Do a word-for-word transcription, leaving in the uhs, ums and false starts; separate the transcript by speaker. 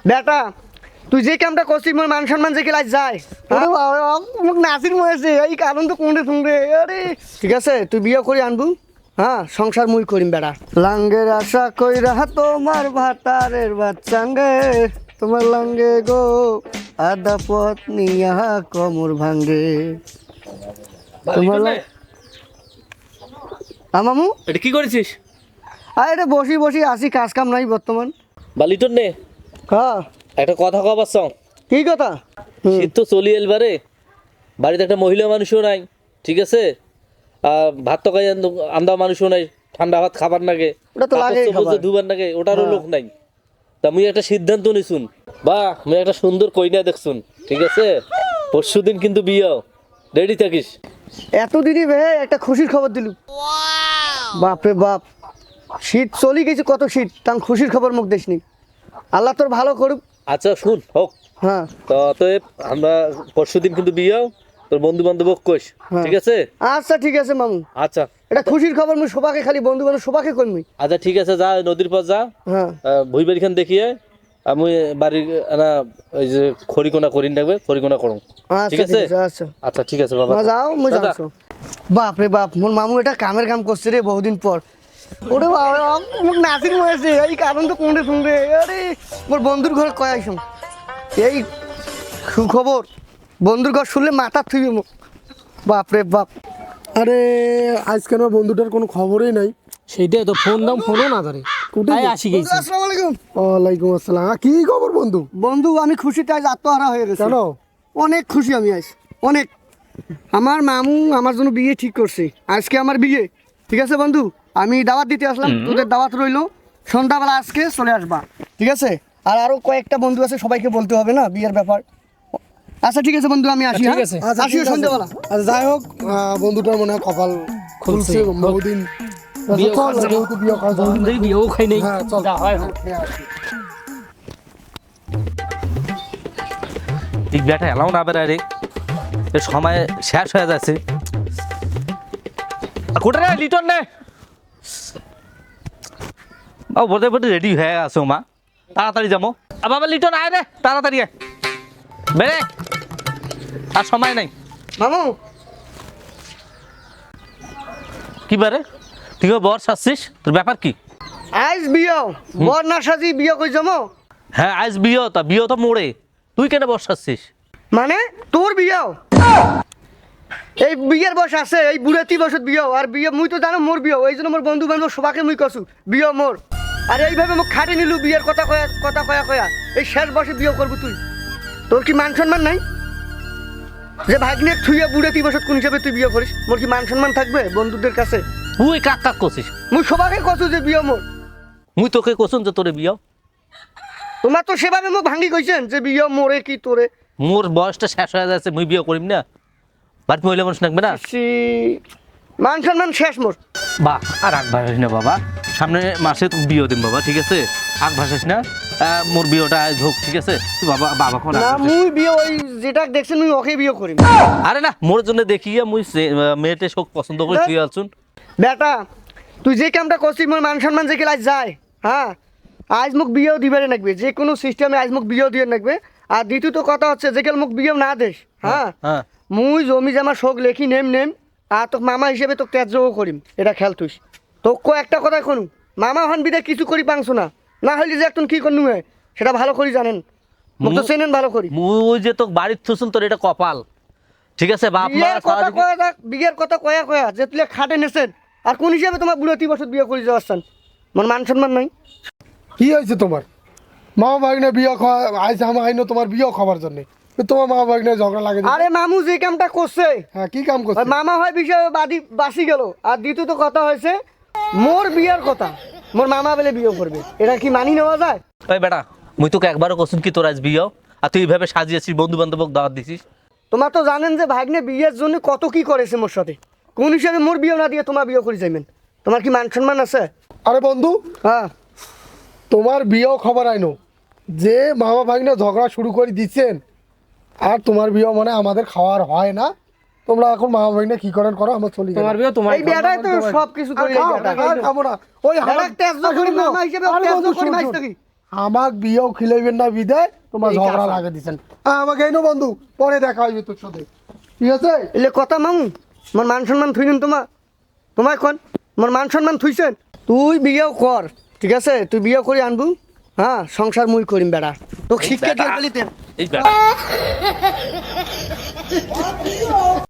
Speaker 1: বেটা তুই যে কামটা করছিস মোর মান সম্মান যে ক্লাস যায় আরে বাবা মোক নাসির মরেছে এই কারণ তো কোনটা শুনবে আরে ঠিক আছে তুই বিয়ে করে আনবু হ্যাঁ সংসার মুই করিম বেটা লাঙ্গের আশা কইরা তোমার ভাতারের বাচ্চাঙ্গে তোমার লাঙ্গে গো আদা পথ নিয়া কমর ভাঙ্গে তোমার আমামু
Speaker 2: এটা কি করেছিস?
Speaker 1: আরে এটা বসি বসি আসি কাজ কাম নাই বর্তমান
Speaker 2: বালিটন নে
Speaker 1: হ্যাঁ
Speaker 2: একটা কথা কবার সং
Speaker 1: কি কথা
Speaker 2: শীত তো চলি এলবারে বাড়িতে একটা মহিলা মানুষও নাই ঠিক আছে আর ভাত তো খাই আন্দা মানুষও নাই ঠান্ডা ভাত খাবার নাগে
Speaker 1: ওটা তো লাগেই খাবার।
Speaker 2: ধুবার নাগে ওটারও লোক নাই তা মুই একটা সিদ্ধান্ত নিছুন বা মুই একটা সুন্দর কইনা দেখছুন ঠিক আছে পরশু দিন কিন্তু বিয়ে রেডি থাকিস
Speaker 1: এতদিনই বে একটা খুশির খবর দিলু বাপরে বাপ শীত চলি গেছে কত শীত তাম খুশির খবর মুখ দেশনি আল্লাহ তোর ভালো করুক
Speaker 2: আচ্ছা শুন হোক
Speaker 1: হ্যাঁ
Speaker 2: তো অতএব আমরা পরশু দিন কিন্তু বিয়ে তোর বন্ধু বান্ধব কইস
Speaker 1: হ্যাঁ।
Speaker 2: ঠিক আছে
Speaker 1: আচ্ছা ঠিক আছে মামু
Speaker 2: আচ্ছা
Speaker 1: এটা খুশির খবর মুই সবাকে খালি বন্ধু বান্ধব সবাকে কইমই
Speaker 2: আচ্ছা ঠিক আছে যা নদীর পর যা
Speaker 1: হ্যাঁ
Speaker 2: ভুই বাড়িখান দেখিয়ে আমি বাড়ির না ওই যে খড়িকোনা করিন রাখবে খড়িকোনা করুন ঠিক
Speaker 1: আচ্ছা
Speaker 2: আছে
Speaker 1: ঠিক আছে আচ্ছা
Speaker 2: আচ্ছা ঠিক আছে বাবা
Speaker 1: মা যাও মুই
Speaker 2: দাদা,
Speaker 1: যাচ্ছ বাপ রে বাপ মোর মামু এটা কামের কাম করছে রে বহুদিন পর ওরে বাবা মোক নাসির মরেছে এই কারণ তো কোনটা শুনবে আরে মোর বন্ধুর ঘরে কয় আইসম এই সুখবর বন্ধুর ঘর শুনলে মাথা থুইবে মুখ বাপ রে বাপ
Speaker 3: আরে আজকে আমার বন্ধুটার কোনো খবরই নাই।
Speaker 4: সেইটাই তো ফোন দাম ফোনও না ধরে
Speaker 3: কোথায়
Speaker 4: তাই আসি গেছি
Speaker 1: আসসালামু আলাইকুম
Speaker 3: ওয়ালাইকুম আসসালাম। আ, কি খবর বন্ধু?
Speaker 1: বন্ধু আমি খুশিতে আজ আত্মহারা হয়ে গেছি
Speaker 3: কেন?
Speaker 1: অনেক খুশি আমি আজ অনেক আমার মামু আমার জন্য বিয়ে ঠিক করছে আজকে আমার বিয়ে ঠিক আছে বন্ধু আমি দাওয়াত দিতে আসলাম তোদের দাওয়াত রইলো সন্ধ্যাবেলা আজকে চলে আসবা ঠিক আছে আর আরো কয়েকটা বন্ধু আছে সবাইকে বলতে হবে না বিয়ের ব্যাপার আচ্ছা ঠিক আছে বন্ধু আমি আসি
Speaker 4: ঠিক
Speaker 1: হ্যাঁ?
Speaker 4: আছে।
Speaker 3: আচ্ছা,
Speaker 1: আসিও
Speaker 3: ঠিক আছে।
Speaker 1: সন্ধ্যাবেলা
Speaker 3: আচ্ছা যাই হোক আহ, বন্ধুটার মনে হয় কপাল খুলছে বহুদিন
Speaker 4: বিয়ে
Speaker 3: চল,
Speaker 4: করছে।
Speaker 3: যেহেতু বিয়ে করা জরুরি।
Speaker 4: দেখি বিয়েও খাই নেই
Speaker 3: হ্যাঁ চল
Speaker 4: যা হয় হোক।
Speaker 3: হ্যাঁ, আসি।
Speaker 2: ঠিক ব্যাটা এলাও না বেড়া রে এ সময় শেষ হয়ে যাচ্ছে কোটা রে লিটন নে ও বলতে বলতে রেডি হয়ে আসো মা তাড়াতাড়ি যাবো আর বাবা লিটন আয় রে তাড়াতাড়ি আয় বেরে আর সময় নাই
Speaker 1: মামু
Speaker 2: কি বারে তুই বর সাজছিস তোর ব্যাপার কি
Speaker 1: আজ বিয়ে বর না সাজি বিয়ে কই যাবো
Speaker 2: হ্যাঁ আজ বিয়ে তা বিয়ে তো মোড়ে তুই কেন বর সাজছিস
Speaker 1: মানে তোর বিয়ে এই বিয়ের বয়স আছে এই বুড়াতি বয়সত বিয়ে আর বিয়ে মুই তো জানো মোর বিয়ে এই জন্য মোর বন্ধু বান্ধব সবাকে মুই কছু বিয়ে মোর আর এইভাবে মোক খাটে নিলু বিয়ের কথা কয়া কথা কয়া কয়া এই শেষ বয়সে বিয়ে করবো তুই তোর কি মান সম্মান নাই যে ভাগ্নে থুইয়া বুড়াতি বয়সত কোন হিসাবে তুই বিয়ে করিস মোর কি মান সম্মান থাকবে বন্ধুদের কাছে
Speaker 2: তুই কাক কাক করছিস
Speaker 1: মুই সবাকে কছু যে বিয়ে মোর
Speaker 2: মুই তোকে কোসুন যে তোরে বিয়ে
Speaker 1: তোমার তো সেভাবে মোক ভাঙ্গি কইছেন যে বিয়ে মোরে কি তোরে
Speaker 2: মোর বয়সটা শেষ হয়ে যাচ্ছে মুই বিয়ে করিম না বাড়িতে মহিলা মানুষ থাকবে না
Speaker 1: সি মান সম্মান শেষ মোর
Speaker 2: বা আর আগ ভাসাস না বাবা সামনে মাসে তো বিয়ে দিন বাবা ঠিক আছে আগ ভাসাস না আহ, মোর বিয়েটা আজ হোক ঠিক আছে তুই বাবা বাবা কোন
Speaker 1: না মুই বিয়ে ওই যেটা দেখছেন মুই ওকে বিয়ে করিম
Speaker 2: আরে না মোর জন্য দেখিয়া মুই সে- আহ, মেয়েটে শোক পছন্দ করে তুই আলছুন
Speaker 1: বেটা তুই যে কামটা করছিস মোর মান সম্মান যে ক্লাস যায় হ্যাঁ আজ মোক বিয়েও দিবারে নাকবে যে কোনো সিস্টেমে আজ মোক বিয়েও দিয়ে নাকবে আর দ্বিতীয়ত কথা হচ্ছে যে কেন মোক বিয়েও না দেশ হ্যাঁ
Speaker 2: হ্যাঁ
Speaker 1: মুই জমি জামা শোক লেখি নেম নেম আর তোক মামা হিসেবে তোকে ত্যায্যও করিম এটা খেয়াল তুই তোকে একটা কথা শুনু মামা হন বিদে কিছু করি পাংছো না না হইলে যে একটু কি করনু হয় সেটা ভালো করি জানেন মোক তো চেনেন ভালো করি
Speaker 2: মুই যে তোক বাড়ির থুসুন তোর এটা কপাল ঠিক আছে বাপ মা
Speaker 1: বিয়ের কথা
Speaker 2: সারাদিন-
Speaker 1: কয়া যাক বিয়ের কথা কয়া কয়া যে তুই খাটে নেছেন আর কোন হিসাবে তোমার বুড়াতি বছর বিয়ে করে যাওয়াচ্ছেন মোর মান সম্মান নাই
Speaker 3: কি হয়েছে তোমার মা ভাগ্নে বিয়ে খাওয়া আইসে আমার আইনো তোমার বিয়ে খাবার জন্য তোমার মা ভাগ্নে ঝগড়া লাগে যে-
Speaker 1: আরে মামু যে কামটা করছে
Speaker 3: হ্যাঁ কি কাম করছে?
Speaker 1: ওই মামা হয় বিষয়ে বাদি বাসি গেল আর দ্বিতীয়ত কথা হয়েছে মোর বিয়ের কথা মোর মামা বলে বিয়ে করবে এটা কি মানি নেওয়া যায়
Speaker 2: ওই বেটা মুই তোকে একবারও কোসুন কি তোর আজ বিয়ে আর তুই এইভাবে সাজিয়েছিস বন্ধু বান্ধবক দাওয়াত দিছিস
Speaker 1: তোমার তো জানেন যে ভাগ্নে বিয়ের জন্য কত কি করেছে মোর সাথে কোন হিসাবে মোর বিয়ে না দিয়ে তোমার বিয়ে করে যাইবেন তোমার কি মান সম্মান আছে
Speaker 3: আরে বন্ধু
Speaker 1: হ্যাঁ
Speaker 3: তোমার বিয়েও খবর আইনো যে মামা ভাগ্নে ঝগড়া শুরু করে দিচ্ছেন আর তোমার বিয়ে মানে আমাদের খাওয়ার হয় না তোমরা এখন মামা ভাগ্নে কি করেন করো আমার চলি
Speaker 4: তোমার বিয়ে তোমার
Speaker 1: এই বিয়েটাই তো সব কিছু করে এই বিয়েটা
Speaker 3: খাবো না ওই
Speaker 1: বেটাক ত্যায্য করি মামা হিসেবে ত্যায্য করি মাইছ কি
Speaker 3: আমাক বিয়েও খিলাইবেন না বিদায় তোমার
Speaker 1: এই
Speaker 3: ঝগড়া
Speaker 1: কাঁচা।
Speaker 3: লাগে দিছেন হ্যাঁ আমাকে এই নো বন্ধু পরে দেখা হইবে তোর সাথে ঠিক আছে
Speaker 1: এলে কথা মামু মোর মান সম্মান থুইছেন তোমার তোমায় কোন মোর মান সম্মান থুইছেন তুই বিয়েও কর ঠিক আছে তুই বিয়ে করে আনবু হ্যাঁ সংসার মুই করিম বেড়া তোকে শিক্ষা দিয়ে বলিতে
Speaker 2: এই বেটা